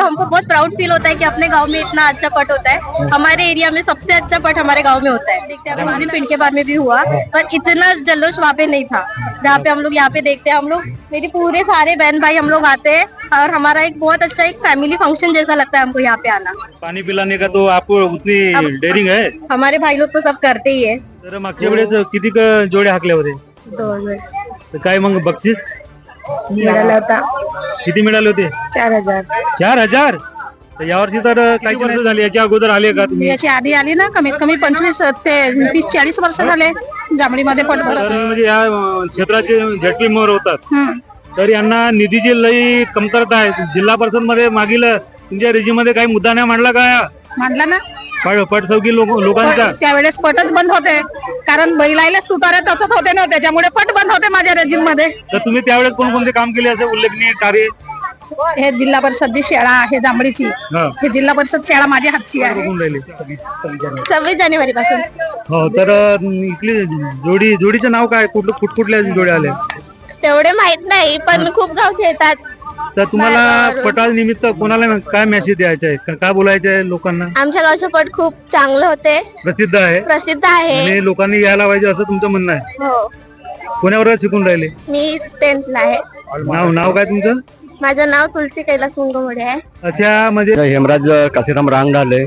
हमको बहुत proud feel होता है कि अपने गांव में इतना अच्छा पट होता है। हमारे एरिया में सबसे अच्छा पट हमारे गांव में होता है। देखते हैं उस दिन पिंड के बार में भी हुआ, पर इतना जल्लोष वहाँ पे नहीं था जहाँ पे हम लोग यहाँ पे देखते हैं। हम लोग मेरी पूरे सारे बहन भाई हम लोग आते हैं और हमारा एक बहुत अच्छा एक फैमिली फंक्शन जैसा लगता है हमको यहाँ पे आना। पाणी पिलाने का तो आपको उतनी डेअरिंग आहे? हमारे भाई लोग तो सब करते ही है। तर मागच्या वेळेस किती जोडे हाकले होते? 2000 तर काय मग बक्षीस मिळाला होता, किती मिळाले होते? 4000। 4000? तर यावर्षी तर काही वर्ष झाली, याच्या अगोदर आले का तुम्ही? याची आधी आली ना, कमीत कमी 25 ते 30-40 वर्ष झाले जांभळीमध्ये पट भरत तर आहे। म्हणजे या क्षेत्राचे झटके मोर होतात, तर यांना निधीची लई कमतरता आहे। जिल्हा परिषद मध्ये मागील तुमच्या रेजिमध्ये काही मुद्दा नाही मांडला का? मांडला ना, पटसौकी लोकांचा? त्यावेळेस पटच बंद होते, कारण बैलायलाच तुतारा टचत होते ना, त्याच्यामुळे पट बंद होते माझ्या रेजिम मध्ये। तर तुम्ही त्यावेळेस कोणकोणते काम केले असे उल्लेखनीय कार्य? हे जिल्हा परिषद जी शाळा आहे जांभळीची, हे जिल्हा परिषद शाळा माझ्या हातची आहे। 26 जानेवारी पासून। हो, तर इथली जोडीचं नाव काय? कुठल्या जोड्या आल्या? तेवढे माहित नाही, पण खूप गावचे येतात। तर तुम्हाला पटा निमित्त कोणाला काय मेसेज द्यायचा आहे, काय बोलायचं आहे लोकांना? आमच्या गावचे पट खूप चांगले होते, प्रसिद्ध आहे आहे आणि लोकांनी यायला पाहिजे असं तुमचं म्हणणं आहे? हो, कोण्या वर्गात शिकून राहिले? मी 10th ला आहे। नाव काय तुमचं? माझं नाव तुलसी कैलास मुंगमोडे आहे। अच्छा, म्हणजे हेमराज काशीराम रांग झाले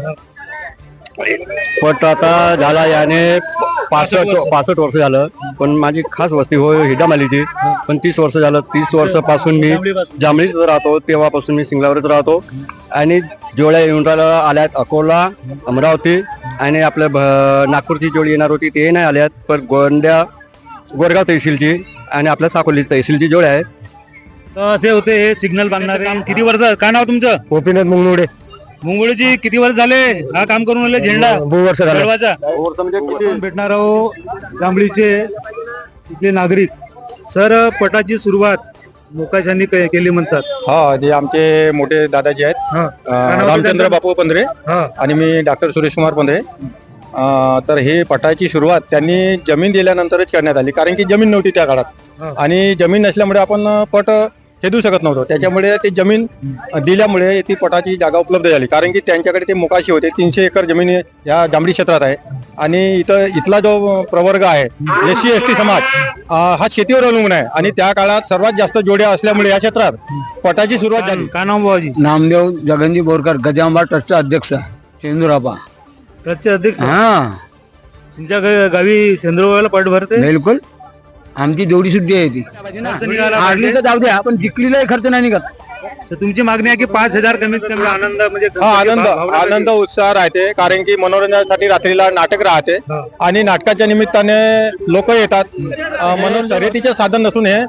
पट आता झाला याने 65 वर्ष झालं, पण माझी खास वस्ती हो हिडामालीची, पण 30 वर्ष झालं। 30 वर्षापासून मी जांभळीत राहतो, तेव्हापासून मी सिंगलावरच राहतो आणि जोड्या येऊन आल्यात अकोला, अमरावती आणि आपल्या नागपूरची जोडी येणार होती ते नाही आल्यात, पण गोरगाव तहसीलची आणि आपल्या साकोली तहसीलची जोड्या आहेत। असे होते हे सिग्नल बांधणारे काम। किती वर्ष? काय नाव तुमचं? गोपीनाथ मुंगमुडे। मुंगोळीची किती वर्ष झाले हा काम करून आले? झेंडा 2 वर्ष झाले। म्हणजे भेटणार आहो जांभळीचे इथले नागरिक। सर, पटाची सुरुवात मोकाशांनी केली म्हणतात? हा, जे आमचे मोठे दादाजी आहेत, रामचंद्र बापू पंधरे आणि मी डॉक्टर सुरेश कुमार पंधरे। तर हे पटाची सुरुवात त्यांनी जमीन दिल्यानंतरच करण्यात आली, कारण की जमीन नव्हती त्या काळात आणि जमीन नसल्यामुळे आपण पट खेदू शकत नव्हतो। त्याच्यामुळे ते जमीन दिल्यामुळे ती पटाची जागा उपलब्ध झाली, कारण की त्यांच्याकडे ते मोकाशी होते। 300 एकर जमीन या जांभळी क्षेत्रात आहे आणि इथला जो प्रवर्ग आहे SC ST समाज हा शेतीवर अवलंबून आहे आणि त्या काळात सर्वात जास्त जोड्या असल्यामुळे या क्षेत्रात पटाची सुरुवात झाली। काय नाव बाबाजी? नामदेव जगनजी बोरकर, गजांबा ट्रस्टचा अध्यक्ष, सेंदुरापा ट्रस्टचे अध्यक्ष? हा, तुमच्या गावी सेंद्रवाला पट भरते? बिलकुल, आमची जोडी सुद्धा आहे ती। हारली तर जाऊ द्या, पण जिंकलीलाही खर्च नाही निघत। तर तुमची मागणी आहे की 5000 कमीत कमी आनंद, म्हणजे आनंद उत्साह राहते, कारण की मनोरंजनासाठी रात्रीला नाटक राहते आणि नाटकाच्या निमित्ताने लोक येतात। म्हणून शर्यतीचे साधन नसून हे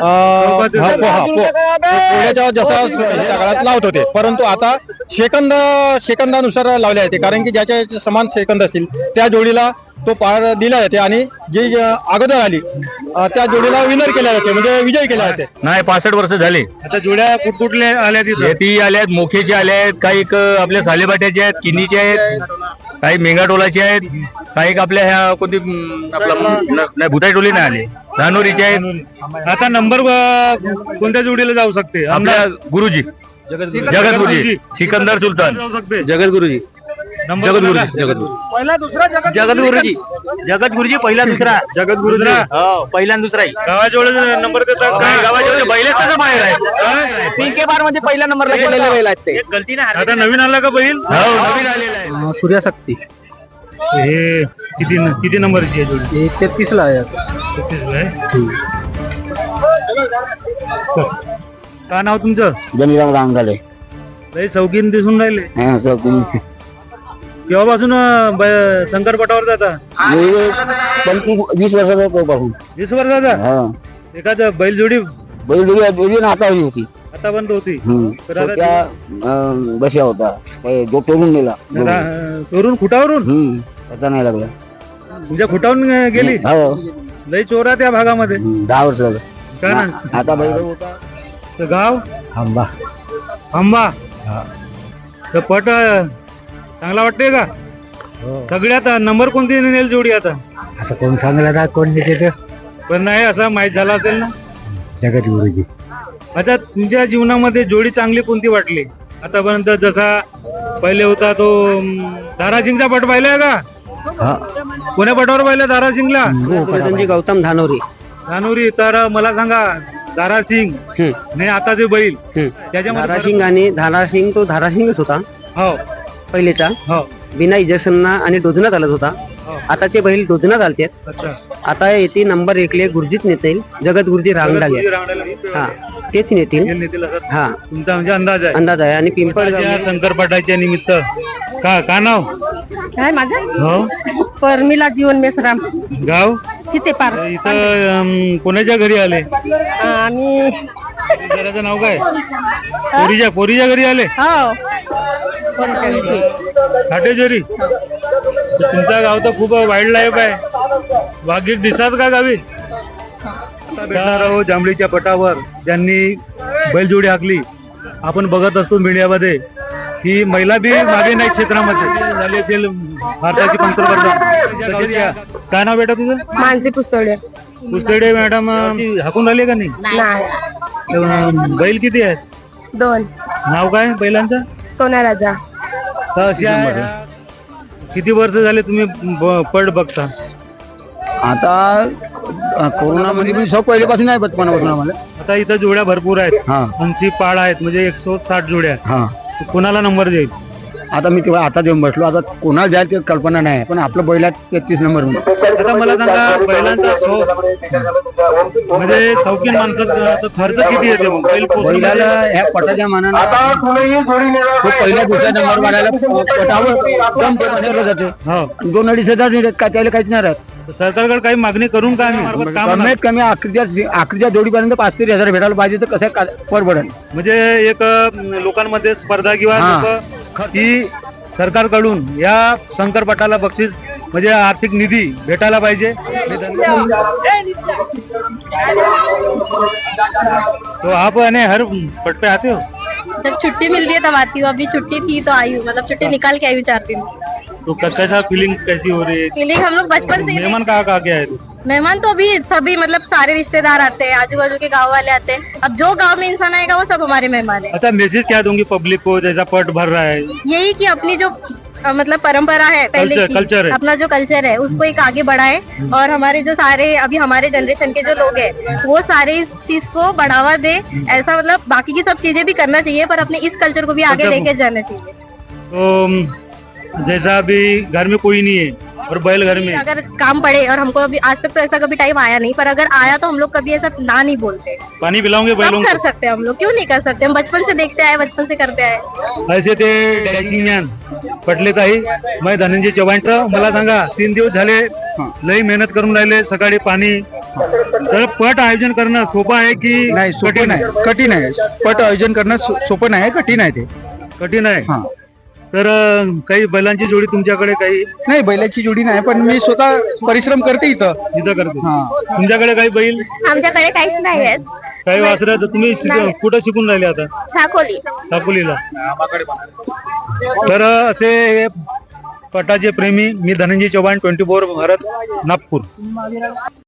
पोळ्याच्या जसा त्या काळात लावत होते, परंतु आता सेकंदानुसार लावले जाते, कारण की ज्याच्या समान सेकंद असतील त्या जोडीला तो पार दिला जाते आणि जी अगोदर आली त्या जोडीला विनर केल्या जाते, म्हणजे विजय केला जाते। नाही, 65 वर्ष झाले। आता जोड्या कुठकुठल्या आल्या तिथे? ती आल्यात, मोखेचे आल्यात, काही आपल्या सालेबाट्याचे आहेत, किनीचे आहेत, काही मेंगाटोलाचे आहेत, काही आपल्या ह्या कोणती आपला भुताई टोली नाही आले, धानोरीचे आहेत। आता नंबर कोणत्या जोडीला जाऊ शकते? आपल्या गुरुजी जगत गुरुजी, सिकंदर सुलतान, जाऊ शकते जगत गुरुजी, जगत गुरुजी पहिला दुसरा, जगत गुरुद्रा पहिला दुसरा गावाजवळ नंबर देतात का? गावाच्या बैलाच बाहेर आहे, पिंके बार मध्ये पहिला नंबरला गेलेले बैल आहेत ते। गलती नाही, आता नवीन आला का बैल? नवीन आलेला आहे, सूर्याशक्ती। हे किती नंबरची आहे जोडी? 33 ला आहे। 33 ला आहे। काय नाव तुमचं? जनीराम रांगाले। लय शौकीन दिसून राहिले। हा, शौकीन। केव्हापासून शंकरपटावर जाता? 20 वर्षाचा पासून। 20 वर्षाचा? हा, एखाद बैलजोडी नातावली होती, आता बंद होती। बशा होता, जो तोडून नेला, चोरून खुटावरून? पता नाही लागला, तुमच्या खुटावून गेली? हो, लय चोरा त्या भागामध्ये। 10 वर्ष झालं। काय ना आता बैल होता तर गाव आंबा। आंबा तर पट चांगला वाटतंय का? सगळ्यात नंबर कोणती नेल जोडी आता? आता कोण सांगला, कोण देते, पण नाही असं माहित झाला असेल ना? जगत गुरुजी। आता तुमच्या जीवनामध्ये जोडी चांगली कोणती वाटली? आतापर्यंत जसा पहिले होता तो धारासिंगचा पट पाहिलाय का? कोण्या पटावर पाहिलं धारासिंगला? गौतम धानोरी. धानोरी. तर मला सांगा धारासिंग नाही आता जे बैल त्याच्यामध्ये धाराशिंग आणि धाराशिंग तो धाराशिंगच होता हो पहिलेचा. हो बिना इंजेक्शनना आणि डोजना चालत होता. आताचे बैल डोजना चालतात. अच्छा. आता येते नंबर 1 गुरुजीच नेतील. जगत गुरुजी रांगडाले हा तेच नेतील. हा तुमचा म्हणजे अंदाज आहे? अंदाज आहे. आणि पिंपळ शंकरपाटाच्या निमित्त का नाव काय माझं? हो परमिला जीवन मेसराम, गाव चितेपार. इथं कोणाच्या घरी आले? आम्ही घराचं नाव काय? पोरीच्या घरी आले हो खाटेश्वरी. तुमचा गाव तर खूप वाईल्ड लाईफ आहे. वाघीक दिसतात का गावी? जांभळीच्या पटावर ज्यांनी बैलजोडी हाकली आपण बघत असतो मीडियामध्ये ही महिला बी मागे नाही क्षेत्रामध्ये झाली असेल भारताची पंतप्रधान. काय नाव बेटा तुझं? मानसी पुस्तळे. पुस्तडे मॅडम हाकून राहिले का नाही? बैल किती आहेत? 2. नाव काय बैलांचं? सोना राजा. तर अशा किती वर्ष झाले तुम्ही पट बघता? आता कोरोनामध्ये मी शौक पहिल्यापासून आहे बचपनापासून आम्हाला. आता इथं जोड्या भरपूर आहेत. 80 पाळ आहेत म्हणजे 160 जोड्या. कोणाला नंबर देईल? आता मी तेव्हा आता देऊन बसलो. आता कोणाला जायचं ते कल्पना नाही, पण आपलं बैलात 33 नंबर मध्ये. आता मला सांगा बैलांचा म्हणजे शौकीन माणसाचा खर्च किती येते मग बैल बैलाला ह्या पटाच्या मानानं तो पहिल्या दुसऱ्या नंबर वाढायला पटावर दम ठेवलं जाते. 2-2.5 हजार काय त्याला काहीच नाही राहत. सरकारकडे काही मागणी करून का कमीत कमी आखरीच्या जोडीपर्यंत 5-3 हजार भेटायला पाहिजे तर कसं परवडेल. म्हणजे एक लोकांमध्ये स्पर्धा किंवा की सरकारकडून या शंकरपटाला बक्षीस म्हणजे आर्थिक निधी भेटायला पाहिजे. तो आप हर पट पे आते हो? जब छुट्टी मिलती है तब आती हूँ. अभी छुट्टी थी तो आई हूँ. मतलब छुट्टी निकाल के आई हूँ 4 दिन. तो कैसा फीलिंग कैसी हो रही है? फीलिंग हम लोग बचपन से. मेहमान कहाँ के आए थे? मेहमान तो अभी सभी मतलब सारे रिश्तेदार आते हैं, आजू बाजू के गांव वाले आते हैं. अब जो गांव में इंसान आएगा वो सब हमारे मेहमान है. अच्छा, मैसेज क्या दूंगी पब्लिक को जैसा पट भर रहा है? यही कि अपनी जो मतलब परंपरा है पहले की, कल्चर है, अपना जो कल्चर है उसको एक आगे बढ़ाए. और हमारे जो सारे अभी हमारे जनरेशन के जो लोग हैं वो सारे इस चीज को बढ़ावा दे. ऐसा मतलब बाकी की सब चीजें भी करना चाहिए पर अपने इस कल्चर को भी आगे लेके जाना चाहिए. तो जैसा अभी घर में कोई नहीं है और बैल घर में, अगर काम पड़े और हमको अभी आज तक तो ऐसा कभी टाइम आया नहीं, पर अगर आया तो हम लोग कभी ऐसा ना नहीं बोलते. पानी पिलाओगे बैलों को? कर सकते हैं हम लोग, क्यों नहीं कर सकते. हम बचपन से देखते आए, बचपन से करते आए. ऐसे ते डॅशिंग ज्ञान पटले ताई. मैं धनंजय चव्हाण. मला सांगा 3 दिवस झाले लई मेहनत करून राहिले. सकाळी पाणी. तर पट आयोजन करणं सोपं आहे की नाही? सोपं नाही, कठीण आहे. पट आयोजन करणं सोपं नाही, कठीण आहे. ते कठीण आहे. तर काही बैलांची जोडी तुमच्याकडे काही नाही? बैलाची जोडी नाही, पण मी स्वतः परिश्रम करते इथं करते. तुमच्याकडे काही बैल? आमच्याकडे काहीच नाही आहेत. काही वासरं. तर तुम्ही कुठं शिकून राहिले आता? साकोलीला. तर असे पटाचे प्रेमी मी धनंजय चव्हाण, 24 भारत, नागपूर.